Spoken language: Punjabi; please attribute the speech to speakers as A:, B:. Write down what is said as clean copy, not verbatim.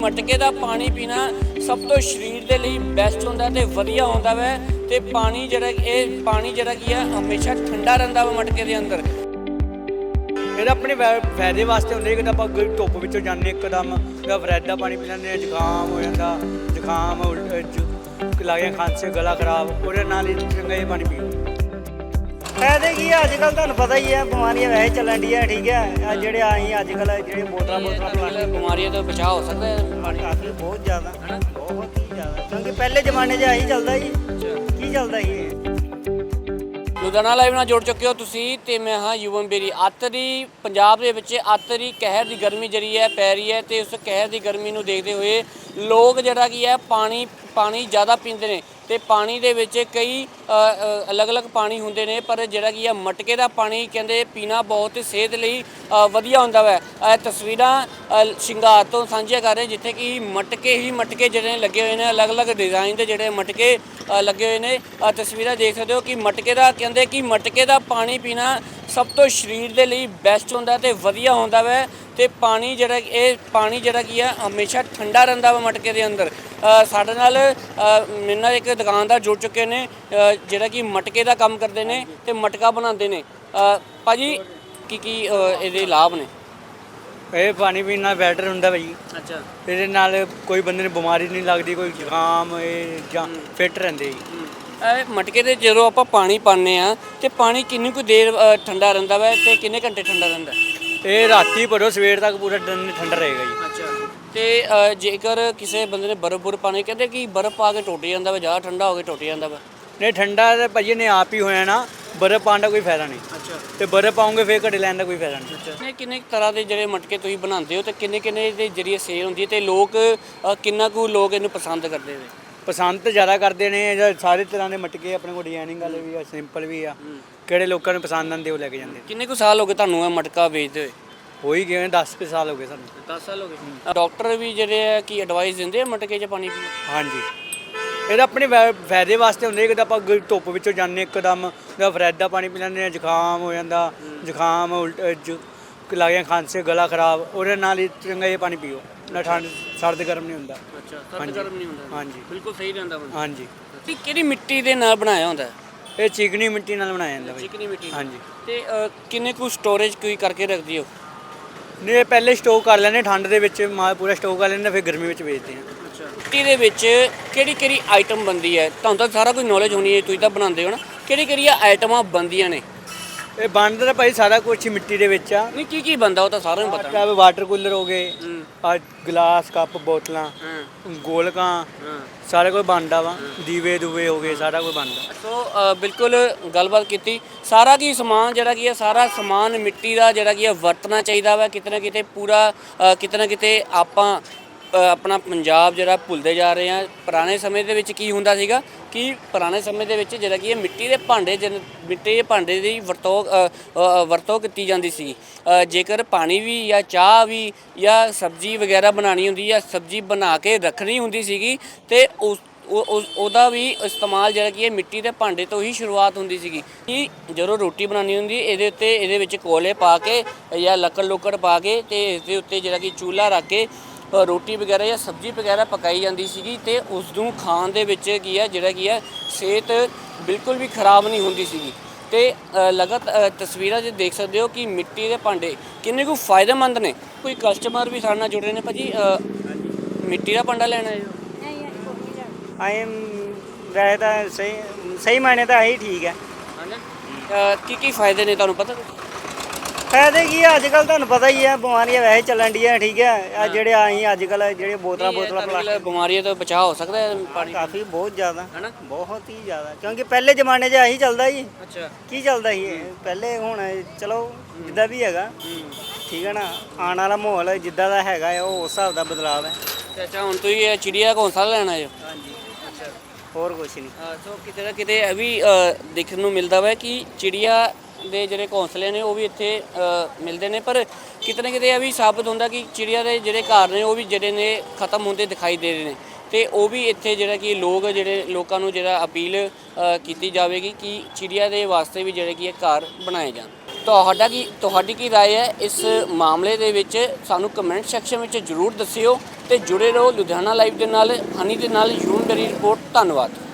A: ਮਟਕੇ ਦਾ ਪਾਣੀ ਪੀਣਾ ਸਭ ਤੋਂ ਸਰੀਰ ਦੇ ਲਈ ਬੈਸਟ ਹੁੰਦਾ ਤੇ ਵਧੀਆ ਹੁੰਦਾ ਵੈ। ਤੇ ਪਾਣੀ ਜਿਹੜਾ ਕੀ ਆ ਹਮੇਸ਼ਾ ਠੰਡਾ ਰਹਿੰਦਾ ਵਾ ਮਟਕੇ ਦੇ ਅੰਦਰ।
B: ਇਹਦਾ ਆਪਣੇ ਫਾਇਦੇ ਵਾਸਤੇ ਹੁੰਦੇ ਕਿ ਆਪਾਂ ਧੁੱਪ ਵਿੱਚੋਂ ਜਾਂਦੇ ਇੱਕਦਮ ਫਰਿੱਜ ਦਾ ਪਾਣੀ ਪੀ ਲੈਂਦੇ, ਜ਼ੁਕਾਮ ਹੋ ਜਾਂਦਾ, ਜ਼ੁਕਾਮ ਲੱਗਿਆ, ਖਾਂਸੀ, ਗਲਾ ਖਰਾਬ, ਉਹਦੇ ਨਾਲ ਹੀ ਚੰਗਾ ਇਹ ਪਾਣੀ ਪੀਓ।
C: ਫਾਇਦੇ ਕੀ ਆ, ਅੱਜ ਕੱਲ੍ਹ ਤੁਹਾਨੂੰ ਪਤਾ ਹੀ ਹੈ ਬਿਮਾਰੀਆਂ ਵੈਸੇ ਚੱਲਣ ਡੀਆਂ, ਠੀਕ ਹੈ। ਆ ਜਿਹੜੇ ਆਈ ਅੱਜ ਕੱਲ੍ਹ ਜਿਹੜੇ ਬੋਤਲਾਂ ਪਲਾਸਟਿਕ
A: ਬਿਮਾਰੀਆਂ ਤੋਂ ਬਚਾਅ ਹੋ ਸਕਦਾ ਹੈ ਪਾਣੀ
C: ਕਾਫੀ ਬਹੁਤ ਜ਼ਿਆਦਾ ਬਹੁਤ ਹੀ ਜ਼ਿਆਦਾ, ਕਿਉਂਕਿ ਪਹਿਲੇ ਜ਼ਮਾਨੇ 'ਚ ਆਹੀ ਚੱਲਦਾ ਸੀ। ਕੀ ਚੱਲਦਾ ਸੀ ਇਹ?
A: ਲੁਧਿਆਣਾ ਲਾਈਵ ਨਾਲ ਜੁੜ ਚੁੱਕੇ ਹੋ ਤੁਸੀਂ ਤੇ ਮੈਂ ਹਾਂ ਯੁਵਮ ਬੇਰੀ। ਪੰਜਾਬ ਦੇ ਵਿੱਚ ਅੱਤ ਕਹਿਰ ਦੀ ਗਰਮੀ ਜਿਹੜੀ ਹੈ ਪੈ ਰਹੀ ਹੈ ਤੇ ਉਸ ਕਹਿਰ ਦੀ ਗਰਮੀ ਨੂੰ ਦੇਖਦੇ ਹੋਏ ਲੋਕ ਜਿਹੜਾ ਕੀ ਹੈ ਪਾਣੀ ਜ਼ਿਆਦਾ ਪੀਂਦੇ ਨੇ ਤੇ ਪਾਣੀ ਦੇ ਵਿੱਚ ਕਈ ਅਲੱਗ-ਅਲੱਗ ਪਾਣੀ ਹੁੰਦੇ ਨੇ, ਪਰ ਜਿਹੜਾ ਕੀ ਹੈ ਮਟਕੇ ਦਾ ਪਾਣੀ ਕਹਿੰਦੇ ਪੀਣਾ ਬਹੁਤ ਸਿਹਤ ਲਈ ਵਧੀਆ ਹੁੰਦਾ ਵੈ। ਇਹ ਤਸਵੀਰਾਂ ਸ਼ਿੰਗਾਰ ਤੋਂ ਸਾਂਝੀਆਂ ਕਰ ਰਹੇ ਜਿੱਥੇ ਕਿ ਮਟਕੇ ਜਿਹੜੇ ਲੱਗੇ ਹੋਏ ਨੇ, ਅਲੱਗ-ਅਲੱਗ ਡਿਜ਼ਾਈਨ ਦੇ ਜਿਹੜੇ ਮਟਕੇ ਲੱਗੇ ਹੋਏ ਨੇ। ਤਸਵੀਰਾਂ ਦੇਖ ਸਕਦੇ ਹੋ ਕਿ ਮਟਕੇ ਦਾ ਪਾਣੀ ਪੀਣਾ ਸਭ ਤੋਂ ਸਰੀਰ ਦੇ ਲਈ ਬੈਸਟ ਹੁੰਦਾ ਤੇ ਵਧੀਆ ਹੁੰਦਾ ਵੈ। ਤੇ ਪਾਣੀ ਜਿਹੜਾ ਕੀ ਆ ਹਮੇਸ਼ਾ ਠੰਡਾ ਰਹਿੰਦਾ ਵਾ ਮਟਕੇ ਦੇ ਅੰਦਰ। ਸਾਡੇ ਨਾਲ ਮੇਰੇ ਨਾਲ ਇੱਕ ਦੁਕਾਨਦਾਰ ਜੁੜ ਚੁੱਕੇ ਨੇ ਜਿਹੜਾ ਕਿ ਮਟਕੇ ਦਾ ਕੰਮ ਕਰਦੇ ਨੇ ਤੇ ਮਟਕਾ ਬਣਾਉਂਦੇ ਨੇ। ਭਾਜੀ ਕੀ ਇਹਦੇ ਲਾਭ ਨੇ?
B: ਇਹ ਪਾਣੀ ਪੀਣ ਨਾਲ ਬੈਟਰ ਹੁੰਦਾ ਭਾਈ।
A: ਅੱਛਾ।
B: ਇਹਦੇ ਨਾਲ ਕੋਈ ਬੰਦੇ ਨੂੰ ਬਿਮਾਰੀ ਨਹੀਂ ਲੱਗਦੀ, ਕੋਈ ਜ਼ੁਕਾਮ ਜਾਂ ਫਿੱਟ ਰਹਿੰਦੇ ਜੀ।
A: ਮਟਕੇ ਦੇ ਜਦੋਂ ਆਪਾਂ ਪਾਣੀ ਪਾਉਂਦੇ ਆ ਤੇ ਪਾਣੀ ਕਿੰਨੀ ਕੁ ਦੇਰ ਠੰਡਾ ਰਹਿੰਦਾ ਵਾ ਤੇ ਕਿੰਨੇ ਘੰਟੇ ਠੰਡਾ ਰਹਿੰਦਾ?
B: ਇਹ ਰਾਤੀ ਭਰੋ, ਸਵੇਰ ਤੱਕ ਪੂਰਾ ਦਿਨ ਠੰਡਾ ਰਹੇਗਾ ਜੀ।
A: ਅੱਛਾ। ਤੇ ਜੇਕਰ ਕਿਸੇ ਬੰਦੇ ਨੇ ਬਰਫ਼ ਪਾਣੀ, ਕਹਿੰਦੇ ਕਿ ਬਰਫ਼ ਪਾ ਕੇ ਟੁੱਟ ਜਾਂਦਾ ਵਾ, ਜ਼ਿਆਦਾ ਠੰਡਾ ਹੋ ਕੇ ਟੁੱਟ ਜਾਂਦਾ ਵਾ।
B: ਨਹੀਂ, ਠੰਡਾ ਤਾਂ ਭਾਜੀ ਨੇ ਆਪ ਹੀ ਹੋਇਆ ਨਾ, ਬਰਫ਼ ਪਾਉਣ ਦਾ ਕੋਈ ਫਾਇਦਾ ਨਹੀਂ।
A: ਅੱਛਾ।
B: ਤੇ ਬਰਫ਼ ਪਾਉਂਗੇ ਫਿਰ ਘੜੇ ਲੈਣ ਦਾ ਕੋਈ ਫਾਇਦਾ ਨਹੀਂ।
A: ਅੱਛਾ। ਕਿੰਨੇ ਤਰ੍ਹਾਂ ਦੇ ਜਿਹੜੇ ਮਟਕੇ ਤੁਸੀਂ ਬਣਾਉਂਦੇ ਹੋ ਤੇ ਕਿੰਨੇ ਦੇ ਜਰੀਏ ਸੇਲ ਹੁੰਦੀ ਹੈ ਤੇ ਲੋਕ ਕਿੰਨਾ ਕੁ ਲੋਕ ਇਹਨੂੰ ਪਸੰਦ ਕਰਦੇ ਨੇ?
B: ਪਸੰਦ ਤਾਂ ਜ਼ਿਆਦਾ ਕਰਦੇ ਨੇ, ਸਾਰੇ ਤਰ੍ਹਾਂ ਦੇ ਮਟਕੇ ਆਪਣੇ ਕੋਲ, ਡਿਜ਼ਾਈਨਿੰਗ ਵਾਲੇ ਵੀ ਆ, ਸਿੰਪਲ ਵੀ ਆ। ਕਿਹੜੇ ਲੋਕਾਂ ਨੂੰ ਪਸੰਦ ਆਉਂਦੇ ਉਹ ਲੈ ਕੇ ਜਾਂਦੇ।
A: ਕਿੰਨੇ ਕੁ ਸਾਲ ਹੋ ਗਏ ਤੁਹਾਨੂੰ ਇਹ ਮਟਕਾ ਵੇਚਦੇ ਹੋਏ?
B: ਹੋ ਹੀ ਗਏ 10 ਸਾਲ ਹੋ ਗਏ ਸਾਨੂੰ।
A: 10 ਸਾਲ ਹੋ ਗਏ। ਡਾਕਟਰ ਵੀ ਜਿਹੜੇ ਆ ਕੀ ਐਡਵਾਈਸ ਦਿੰਦੇ ਆ ਮਟਕੇ 'ਚ ਪਾਣੀ ਪੀਓ?
B: ਹਾਂਜੀ, ਇਹਦਾ ਆਪਣੇ ਫਾਇਦੇ ਵਾਸਤੇ ਹੁੰਦੇ ਕਿ ਆਪਾਂ ਧੁੱਪ ਵਿੱਚੋਂ ਜਾਂਦੇ ਇੱਕਦਮ ਫਰਿੱਜ ਦਾ ਪਾਣੀ ਪੀ ਲੈਂਦੇ, ਜ਼ੁਕਾਮ ਹੋ ਜਾਂਦਾ, ਜ਼ੁਕਾਮ ਲੱਗਿਆ, ਖਾਂਸੀ, ਗਲਾ ਖਰਾਬ, ਉਹਦੇ ਨਾਲ ਹੀ ਚੰਗਾ ਇਹ ਪਾਣੀ ਪੀਓ। ਨਾ ਠੰਡ ਸਰਦ ਗਰਮ ਨਹੀਂ ਹੁੰਦਾ।
A: ਅੱਛਾ, ਸਰਦ ਗਰਮ ਨਹੀਂ ਹੁੰਦਾ।
B: ਹਾਂਜੀ,
A: ਬਿਲਕੁਲ ਸਹੀ ਰਹਿੰਦਾ ਬੰਦਾ।
B: ਹਾਂਜੀ।
A: ਕਿਹੜੀ ਮਿੱਟੀ ਦੇ ਨਾਲ ਬਣਾਇਆ ਹੁੰਦਾ?
B: ਇਹ ਚੀਕਣੀ ਮਿੱਟੀ ਨਾਲ ਬਣਾਇਆ ਜਾਂਦਾ ਬਾਈ।
A: ਚੀਕਣੀ ਮਿੱਟੀ।
B: ਹਾਂਜੀ।
A: ਤੇ ਕਿੰਨੇ ਕੁ ਸਟੋਰੇਜ ਕੋਈ ਕਰਕੇ ਰੱਖਦੀ ਹੋ?
B: ਨਹੀਂ, ਇਹ ਪਹਿਲੇ ਸਟੋਕ ਕਰ ਲੈਂਦੇ ਠੰਡ ਦੇ ਵਿੱਚ, ਪੂਰਾ ਸਟੋਕ ਕਰ ਲੈਂਦੇ, ਫਿਰ ਗਰਮੀ ਵਿੱਚ ਵੇਚਦੇ ਹਾਂ।
A: ਅੱਛਾ। ਮਿੱਟੀ ਦੇ ਵਿੱਚ ਕਿਹੜੀ ਆਈਟਮ ਬਣਦੀ ਹੈ? ਤੁਹਾਨੂੰ ਤਾਂ ਸਾਰਾ ਕੁਝ ਨੌਲੇਜ ਹੋਣੀ ਹੈ, ਤੁਸੀਂ ਤਾਂ ਬਣਾਉਂਦੇ ਹੋ ਨਾ। ਕਿਹੜੀਆਂ ਆਈਟਮਾਂ ਬਣਦੀਆਂ ਨੇ?
B: ਇਹ ਬਣਦਾ ਤਾਂ ਭਾਈ ਸਾਰਾ ਕੁਝ ਹੀ ਮਿੱਟੀ ਦੇ ਵਿੱਚ ਆ।
A: ਨਹੀਂ, ਕੀ ਬਣਦਾ ਉਹ ਤਾਂ ਸਾਰਿਆਂ ਨੂੰ ਪਤਾ।
B: ਵਾਟਰ ਕੂਲਰ ਹੋ ਗਏ, ਆ ਗਲਾਸ, ਕੱਪ, ਬੋਤਲਾਂ, ਗੋਲਕਾਂ, ਸਾਰਾ ਕੁਝ ਬਣਦਾ ਵਾ। ਦੀਵੇ ਦੂਵੇ ਹੋ ਗਏ, ਸਾਰਾ ਕੁਝ ਬਣਦਾ।
A: ਸੋ ਬਿਲਕੁਲ ਗੱਲਬਾਤ ਕੀਤੀ। ਸਾਰਾ ਕੀ ਸਮਾਨ ਜਿਹੜਾ ਕੀ ਹੈ, ਸਾਰਾ ਸਮਾਨ ਮਿੱਟੀ ਦਾ ਜਿਹੜਾ ਕੀ ਹੈ ਵਰਤਣਾ ਚਾਹੀਦਾ ਵਾ। ਕਿਤੇ ਨਾ ਕਿਤੇ ਪੂਰਾ ਕਿਤੇ ਨਾ ਕਿਤੇ ਆਪਾਂ ਆਪਣਾ ਪੰਜਾਬ ਜਿਹੜਾ ਭੁੱਲਦੇ ਜਾ ਰਹੇ ਹਾਂ। ਪੁਰਾਣੇ ਸਮੇਂ ਦੇ ਵਿੱਚ ਕੀ ਹੁੰਦਾ ਸੀਗਾ ਕਿ ਪੁਰਾਣੇ ਸਮੇਂ ਦੇ ਵਿੱਚ ਜਿਹੜਾ ਕੀ ਹੈ ਮਿੱਟੀ ਦੇ ਭਾਂਡੇ ਦੀ ਵਰਤੋਂ ਕੀਤੀ ਜਾਂਦੀ ਸੀ। ਜੇਕਰ ਪਾਣੀ ਵੀ ਜਾਂ ਚਾਹ ਵੀ ਜਾਂ ਸਬਜ਼ੀ ਵਗੈਰਾ ਬਣਾਉਣੀ ਹੁੰਦੀ ਜਾਂ ਸਬਜ਼ੀ ਬਣਾ ਕੇ ਰੱਖਣੀ ਹੁੰਦੀ ਸੀਗੀ ਤੇ ਉਹਦਾ ਵੀ ਇਸਤੇਮਾਲ ਜਿਹੜਾ ਕੀ ਹੈ ਮਿੱਟੀ ਦੇ ਭਾਂਡੇ ਤੋਂ ਹੀ ਸ਼ੁਰੂਆਤ ਹੁੰਦੀ ਸੀਗੀ। ਕਿ ਜਦੋਂ ਰੋਟੀ ਬਣਾਉਣੀ ਹੁੰਦੀ ਇਹਦੇ ਵਿੱਚ ਕੋਲੇ ਪਾ ਕੇ ਜਾਂ ਲੱਕੜ ਪਾ ਕੇ ਤੇ ਇਸ ਦੇ ਉੱਤੇ ਜਿਹੜਾ ਕਿ ਚੁੱਲ੍ਹਾ ਰੱਖ ਕੇ ਰੋਟੀ ਵਗੈਰਾ ਜਾਂ ਸਬਜ਼ੀ ਵਗੈਰਾ ਪਕਾਈ ਜਾਂਦੀ ਸੀਗੀ ਤੇ ਉਸ ਨੂੰ ਖਾਣ ਦੇ ਵਿੱਚ ਕੀ ਹੈ ਜਿਹੜਾ ਕੀ ਹੈ ਸਿਹਤ ਬਿਲਕੁਲ ਵੀ ਖਰਾਬ ਨਹੀਂ ਹੁੰਦੀ ਸੀਗੀ। ਤੇ ਲਗਾਤਾਰ ਤਸਵੀਰਾਂ 'ਚ ਦੇਖ ਸਕਦੇ ਹੋ ਕਿ ਮਿੱਟੀ ਦੇ ਭਾਂਡੇ ਕਿੰਨੇ ਕੁ ਫਾਇਦੇਮੰਦ ਨੇ। ਕੋਈ ਕਸਟਮਰ ਵੀ ਸਾਡੇ ਨਾਲ ਜੁੜੇ ਨੇ। ਭਾਜੀ ਮਿੱਟੀ ਦਾ ਭਾਂਡਾ ਲੈਣਾ ਹੈ?
C: ਆਏ ਵੈਸੇ ਤਾਂ ਸਹੀ ਮਾਇਨੇ ਤਾਂ ਆਹੀ ਠੀਕ ਹੈ।
A: ਕੀ ਫਾਇਦੇ ਨੇ ਤੁਹਾਨੂੰ ਪਤਾ?
C: ਫਾਇਦੇ ਕੀ ਆ, ਅੱਜ ਕੱਲ੍ਹ ਤੁਹਾਨੂੰ ਪਤਾ ਹੀ ਹੈ ਬਿਮਾਰੀਆਂ ਵੈਸੇ ਚੱਲਣ ਡੀਆਂ, ਠੀਕ ਹੈ। ਆ ਜਿਹੜੇ ਆਈ ਅੱਜ ਕੱਲ੍ਹ ਜਿਹੜੇ ਬੋਤਲਾਂ ਪਲਾਸਟਿਕ,
A: ਬਿਮਾਰੀਆਂ ਤੋਂ ਬਚਾਅ ਹੋ ਸਕਦਾ ਹੈ ਪਾਣੀ?
C: ਕਾਫੀ ਬਹੁਤ ਜ਼ਿਆਦਾ,
A: ਹੈਨਾ, ਬਹੁਤ
C: ਹੀ ਜ਼ਿਆਦਾ, ਕਿਉਂਕਿ ਪਹਿਲੇ ਜ਼ਮਾਨੇ 'ਚ ਆਹੀ ਚੱਲਦਾ ਸੀ।
A: ਅੱਛਾ।
C: ਕੀ ਚੱਲਦਾ ਸੀ ਪਹਿਲੇ? ਹੁਣ ਚਲੋ ਜਿੱਦਾਂ ਵੀ ਹੈਗਾ, ਠੀਕ ਹੈ ਨਾ। ਆਉਣ ਵਾਲਾ ਮਾਹੌਲ ਜਿੱਦਾਂ ਦਾ ਹੈਗਾ ਹੈ ਉਹ ਉਸ ਹਿਸਾਬ ਦਾ ਬਦਲਾਅ ਹੈ।
A: ਅੱਛਾ, ਹੁਣ ਤੁਸੀਂ ਚਿੜੀਆ ਘੋਂਸਲਾ ਲੈਣਾ ਹੈ?
C: ਹਾਂਜੀ। ਅੱਛਾ, ਹੋਰ ਕੁਛ ਨਹੀਂ।
A: ਸੋ ਕਿਤੇ ਨਾ ਕਿਤੇ ਇਹ ਵੀ ਦੇਖਣ ਨੂੰ ਮਿਲਦਾ ਵਾ ਕਿ ਚਿੜੀਆ ਦੇ ਜਿਹੜੇ ਘੋਂਸਲੇ ਨੇ ਉਹ ਵੀ ਇੱਥੇ ਮਿਲਦੇ ਨੇ, ਪਰ ਕਿਤੇ ਨਾ ਕਿਤੇ ਇਹ ਵੀ ਸਾਬਤ ਹੁੰਦਾ ਕਿ ਚਿੜੀਆ ਦੇ ਜਿਹੜੇ ਘਰ ਨੇ ਉਹ ਵੀ ਜਿਹੜੇ ਨੇ ਖਤਮ ਹੁੰਦੇ ਦਿਖਾਈ ਦੇ ਰਹੇ ਨੇ। ਤੇ ਉਹ ਵੀ ਇੱਥੇ ਜਿਹੜਾ ਕਿ ਲੋਕਾਂ ਨੂੰ ਜਿਹੜਾ ਅਪੀਲ ਕੀਤੀ ਜਾਵੇਗੀ ਕਿ ਚਿੜੀਆ ਦੇ ਵਾਸਤੇ ਵੀ ਜਿਹੜੇ ਕਿ ਘਰ ਬਣਾਏ ਜਾਣ। ਤੁਹਾਡੀ ਕੀ ਰਾਏ ਹੈ ਇਸ ਮਾਮਲੇ ਦੇ ਵਿੱਚ? ਸਾਨੂੰ ਕਮੈਂਟ ਸੈਕਸ਼ਨ ਵਿੱਚ ਜ਼ਰੂਰ ਦੱਸਿਓ। ਤੇ ਜੁੜੇ ਰਹੋ ਲੁਧਿਆਣਾ ਲਾਈਵ ਦੇ ਨਾਲ। ਹਨੀ ਦੇ ਨਾਲ ਯੂਨ ਮੇਰੀ ਰਿਪੋਰਟ। ਧੰਨਵਾਦ।